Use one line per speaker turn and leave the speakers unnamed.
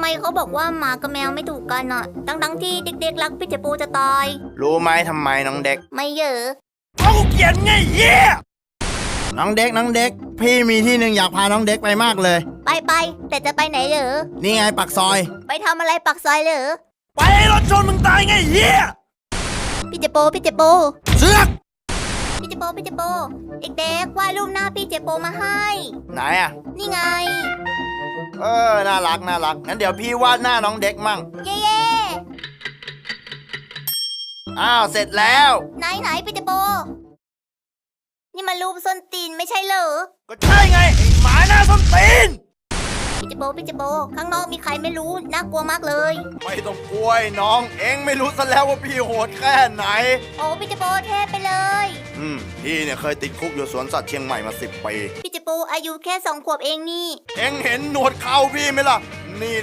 ไมเขาบอกว่าหมากับแมวไม่ถูกกันอ่ะทั้งที่เด็กๆรักพี่เจปูจะตาย
รู้ไหมทำไมน้องเด็ก
ไม่เยอะ
เพราะกูเกลียดไงเหี้ยน้องเด็ก พี่มีที่หนึ่งอยากพาน้องเด็กไปมากเลย
ไปแต่จะไปไหนเหรอ
นี่ไงปักซอย
ไปทำอะไรปักซอยเหรอ
ไปให้รถชนมึงตายไงเหี้ย
พี่เจโป
เสือก
พี่เจโปเด็กๆวาดรูปหน้าพี่เจโปมาให้
ไหนอ่ะ
นี่ไง
น่ารักงั้นเดี๋ยวพี่วาดหน้าน้องเด็กมั่ง
เย่
อ้าวเสร็จแล้ว
ไหนพี่เจโปนี่มันรูปส้นตีนไม่ใช่เหรอ
ก็ใช่ไงไอ้หมาหน้าส้นตีน
พี่เจโปข้างนอกมีใครไม่รู้น่ากลัวมากเลย
ไม่ต้องกลัวไอ้น้องเอ็งไม่รู้ซะแล้วว่าพี่โหดแค่ไหน
โอ้พี่เจโปเทพไปเลย
พี่เนี่ยเคยติดคุกอยู่สวนสัตว์เชียงใหม่มา10 ปี
พี่เจโปอายุแค่2 ขวบเองนี่
เอ็งเห็นหนวดเขาพี่ไหมล่ะ